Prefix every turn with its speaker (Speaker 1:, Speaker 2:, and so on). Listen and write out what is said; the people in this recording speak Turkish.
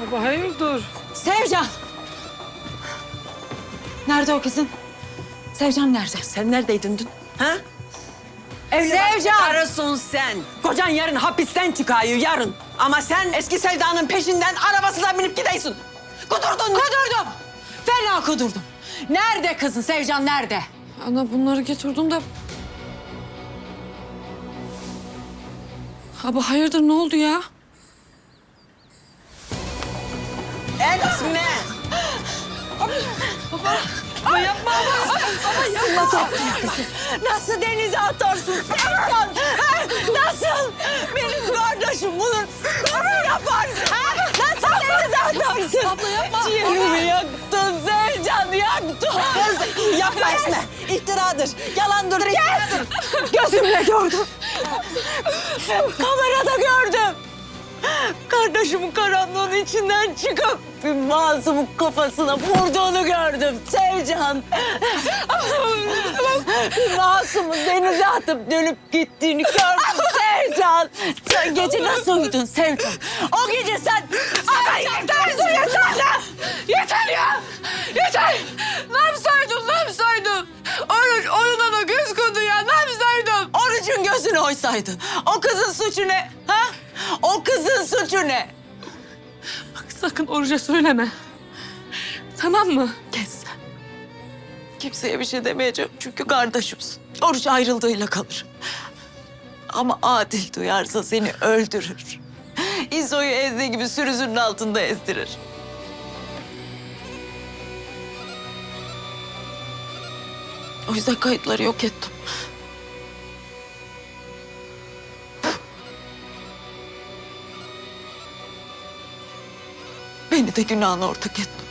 Speaker 1: Baba hayırdır?
Speaker 2: Sevcan! Nerede o kızın? Sevcan nerede?
Speaker 3: Sen neredeydin dün? Ha?
Speaker 2: Sevcan!
Speaker 3: Karısın sen. Kocan yarın hapisten çıkıyor, yarın. Ama sen eski sevdanın peşinden arabasına binip gidiyorsun. Kudurdun.
Speaker 2: Kudurdum! Fena kudurdum. Nerede kızın? Sevcan nerede?
Speaker 1: Ana bunları getirdim de... Baba hayırdır ne oldu ya?
Speaker 3: Etme.
Speaker 1: Baba yapma baba.
Speaker 3: Nasıl denize atarsın Sevdan? Ha? Nasıl? Benim kardeşim bunu nasıl yaparsın? Ha? Nasıl denize atarsın?
Speaker 1: Abla yapma.
Speaker 3: Ciğerimi yaktın Sevcan, yaktın. Kız yapma Esme. İftiradır, yalandır, iftiradır. Gözümle gördüm. Kamerada gördüm. Kardeşimin karanlığın içinden çıkıp bir masumun kafasına vurduğunu gördüm Sevcan. Bir masumun denize atıp dönüp gittiğini gördüm Sevcan. Sen gece nasıl uyudun Sevcan? O gece sen... Ama yeter, yeter ya!
Speaker 1: Yeter ya! Yeter! Ne yapsaydım, ne yapsaydım? Oyuna da göz koydu ya, ne yapsaydım?
Speaker 3: Orucun gözünü oysaydın. O kızın suçu ne? Ha? O kızın suçu ne?
Speaker 1: Bak sakın Oruç'a söyleme. Tamam mı?
Speaker 3: Kes sen. Kimseye bir şey demeyeceğim çünkü kardeşimsin. Oruç ayrıldığıyla kalır. Ama Adil duyarsa seni öldürür. İzo'yu ezdiği gibi sürüsünün altında ezdirir. O yüzden kayıtları yok ettim. Beni de günahına ortak ettim.